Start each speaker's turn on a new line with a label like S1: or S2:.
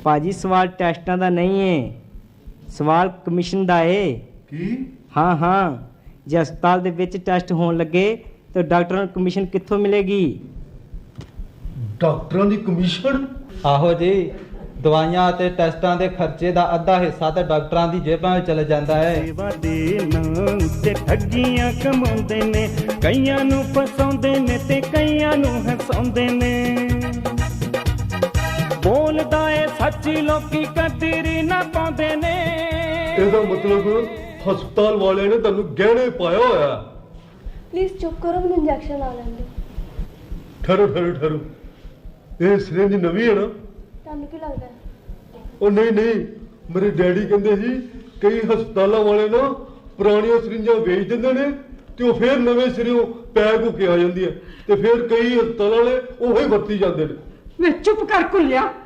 S1: ਭਾਜੀ ਸਵਾਲ ਟੈਸਟਾਂ ਦਾ ਨਹੀਂ ਏ, ਸਵਾਲ ਕਮਿਸ਼ਨ ਦਾ ਏ।
S2: ਕੀ?
S1: ਹਾਂ ਹਾਂ, ਜੇ ਹਸਪਤਾਲ ਦੇ ਵਿੱਚ ਟੈਸਟ ਹੋਣ ਲੱਗੇ ਤਾਂ ਡਾਕਟਰਾਂ ਨੂੰ ਕਮਿਸ਼ਨ ਕਿੱਥੋਂ ਮਿਲੇਗੀ?
S2: ਡਾਕਟਰਾਂ ਦੀ ਕਮਿਸ਼ਨ?
S3: ਆਹੋ ਜੀ, ਦਵਾਈਆਂ ਅਤੇ ਟੈਸਟਾਂ ਦੇ ਖਰਚੇ ਦਾ ਅੱਧਾ ਹਿੱਸਾ ਤਾਂ ਡਾਕਟਰਾਂ ਦੀ ਜੇਬਾਂ ਵਿੱਚ ਚਲੇ ਜਾਂਦਾ ਹੈ।
S1: ਸੇਵਾ ਦੇ ਨਾਂ ਤੇ ਠੱਗੀਆਂ ਕਮਾਉਂਦੇ ਨੇ, ਕਈਆਂ ਨੂੰ ਫਸਾਉਂਦੇ ਨੇ ਤੇ ਕਈਆਂ ਨੂੰ ਹਸਾਉਂਦੇ ਨੇ। ਬੋਲਦਾ ਏ ਸੱਚ, ਲੋਕੀ ਕਦਰ ਨਾ ਪਾਉਂਦੇ ਨੇ।
S2: ਇਹਦਾ ਮਤਲਬ ਹਸਪਤਾਲ ਵਾਲਿਆਂ ਨੇ ਤੁਹਾਨੂੰ ਗਹਿਣੇ ਪਾਇਆ ਹੋਇਆ।
S4: ਪਲੀਜ਼ ਚੁੱਪ ਕਰੋ, ਮੈਨੂੰ ਇੰਜੈਕਸ਼ਨ ਲਾ ਲੈਣ ਦਿਓ।
S2: ਠਹਿਰੋ, ਇਹ ਸਿਰਿੰਜ ਨਵੀਂ ਹੈ ਨਾ?
S4: ਤੁਹਾਨੂੰ ਕੀ ਲੱਗਦਾ?
S2: ਉਹ ਨਹੀਂ, ਮੇਰੇ ਡੈਡੀ ਕਹਿੰਦੇ ਸੀ ਕਈ ਹਸਪਤਾਲਾਂ ਵਾਲੇ ਨਾ ਪੁਰਾਣੀਆਂ ਸਿਰਿੰਜਾਂ ਵੇਚ ਦਿੰਦੇ ਨੇ ਤੇ ਉਹ ਫੇਰ ਨਵੇਂ ਸਿਰਿਓਂ ਪੈਕ ਹੋ ਕੇ ਆ ਜਾਂਦੀਆਂ ਤੇ ਫੇਰ ਕਈ ਹਸਪਤਾਲਾਂ ਵਾਲੇ ਉਹੀ ਵਰਤੀ ਜਾਂਦੇ ਨੇ।
S5: ਵੇ ਚੁੱਪ ਕਰ ਕੁੱਲਿਆ,